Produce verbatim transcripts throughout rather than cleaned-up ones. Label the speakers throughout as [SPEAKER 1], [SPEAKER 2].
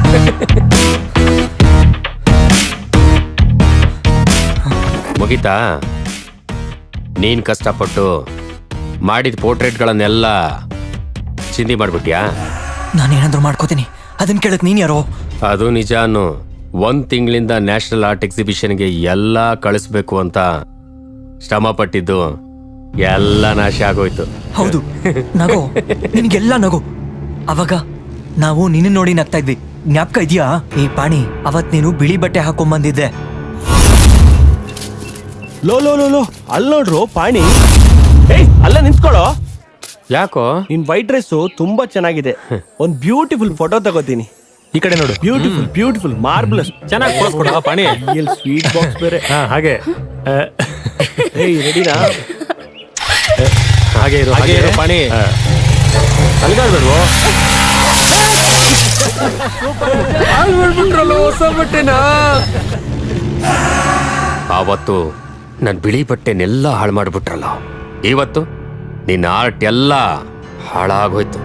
[SPEAKER 1] ಮುಗಿತಾ? ನೀನ್ ಕಷ್ಟಪಟ್ಟು ಮಾಡಿದ ಪೋರ್ಟ್ರೇಟ್ಗಳನ್ನೆಲ್ಲ ಚಿಂದಿ ಮಾಡ್ಬಿಟ್ಯಾ?
[SPEAKER 2] ನಾನೇನಾದ್ರೂ ಮಾಡ್ಕೋತೀನಿ, ಅದನ್ನ ಕೇಳಕ್ ನೀನ್ ಯಾರೋ?
[SPEAKER 1] ಅದು ನಿಜ ಅನ್ನು. ಒಂದ್ ತಿಂಗಳಿಂದ ನ್ಯಾಷನಲ್ ಆರ್ಟ್ ಎಕ್ಸಿಬಿಷನ್ಗೆ ಎಲ್ಲ ಕಳಿಸ್ಬೇಕು ಅಂತ ಶ್ರಮ ಪಟ್ಟಿದ್ದು ಎಲ್ಲ ನಾಶ ಆಗೋಯ್ತು.
[SPEAKER 2] ಹೌದು, ನಗೋ, ನಿನ್ಗೆಲ್ಲ ನಗೋ. ಅವಾಗ ನಾವು ನಿನ್ನ ನೋಡಿ ನಗ್ತಾ ಇದ್ವಿ, ಜ್ಞಾಪಕ ಇದೆಯಾ? ಈ ಪಾಣಿ, ಅವತ್ ನೀನು ಬಿಳಿ ಬಟ್ಟೆ ಹಾಕೊಂಬಂದಿದ್ದೆ.
[SPEAKER 3] ಲೋ ಲೋ ಲೋ ಲೋ ಅಲ್ಲಿ ನೋಡ್ರು ಪಾಣಿ. ಏಯ್ ಅಲ್ಲ ನಿಂತ್ಕೊಳ್ಳೋ.
[SPEAKER 1] ಯಾಕೋ?
[SPEAKER 3] ನಿನ್ ವೈಟ್ ಡ್ರೆಸ್ ತುಂಬಾ ಚೆನ್ನಾಗಿದೆ, ಒಂದ್ ಬ್ಯೂಟಿಫುಲ್ ಫೋಟೋ ತಗೋತೀನಿ.
[SPEAKER 4] ಈ ಕಡೆ ನೋಡು.
[SPEAKER 3] ಬ್ಯೂಟಿಫುಲ್ ಬ್ಯೂಟಿಫುಲ್ ಮಾರ್ಬಲ್ಸ್
[SPEAKER 4] ಚೆನ್ನಾಗಿ ಪೋಸ್ ಕೊಡ ಪಾಣಿ.
[SPEAKER 3] ಸ್ವೀಟ್ ಬಾಕ್ಸ್ ಬೇರೆ.
[SPEAKER 4] ಹಾ ಹಾಗೆ.
[SPEAKER 3] ಏಯ್ ರೆಡಿನಾ?
[SPEAKER 4] ಹಾಗೆ ಇರು ಹಾಗೆ ಇರು ಪಾಣಿ. ಅಲ್ಗಾಡ್ಬೇಡ್ವೋ.
[SPEAKER 1] ಆವತ್ತು ನನ್ ಬಿಳಿ ಬಟ್ಟೆನೆಲ್ಲ ಹಾಳು ಮಾಡ್ಬಿಟ್ರಲ್ಲ, ಇವತ್ತು ನಿನ್ನ ಆರ್ಟ್ ಎಲ್ಲ ಹಾಳಾಗೋಯ್ತು.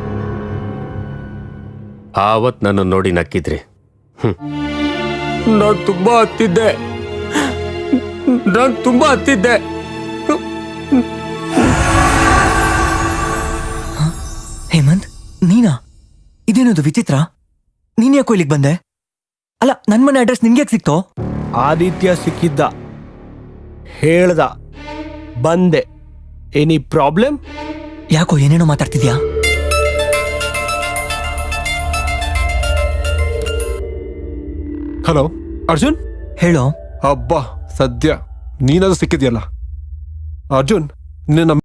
[SPEAKER 1] ಆವತ್ ನನ್ನ ನೋಡಿ ನಕ್ಕಿದ್ರಿ. ನಾನು ತುಂಬಾ ಹತ್ತಿದ್ದೆ, ನಾನು ತುಂಬಾ ಹತ್ತಿದ್ದೆ.
[SPEAKER 2] ಹೇಮಂತ್, ನೀನಾ? ಇದೇನದು ವಿಚಿತ್ರ? ನೀನ್ ಯಾಕೋ ಇಲ್ಲಿಗೆ ಬಂದೆ? ಅಲ್ಲ, ನನ್ ಮನೆ ಅಡ್ರೆಸ್ ನಿನ್ಗೆ ಸಿಕ್ತೋ?
[SPEAKER 3] ಆದಿತ್ಯ ಸಿಕ್ಕಿದ್ದ, ಹೇಳ್ದ, ಬಂದೆ. Any problem?
[SPEAKER 2] ಯಾಕೋ ಏನೇನೋ ಮಾತಾಡ್ತಿದ್ಯಾ?
[SPEAKER 5] ಹಲೋ ಅರ್ಜುನ್.
[SPEAKER 2] ಹೇಳೋ.
[SPEAKER 5] ಅಬ್ಬಾ, ಸದ್ಯ ನೀನಾದ್ರೂ ಸಿಕ್ಕಿದ್ಯಲ್ಲ. ಅರ್ಜುನ್, ನಿನ್ನ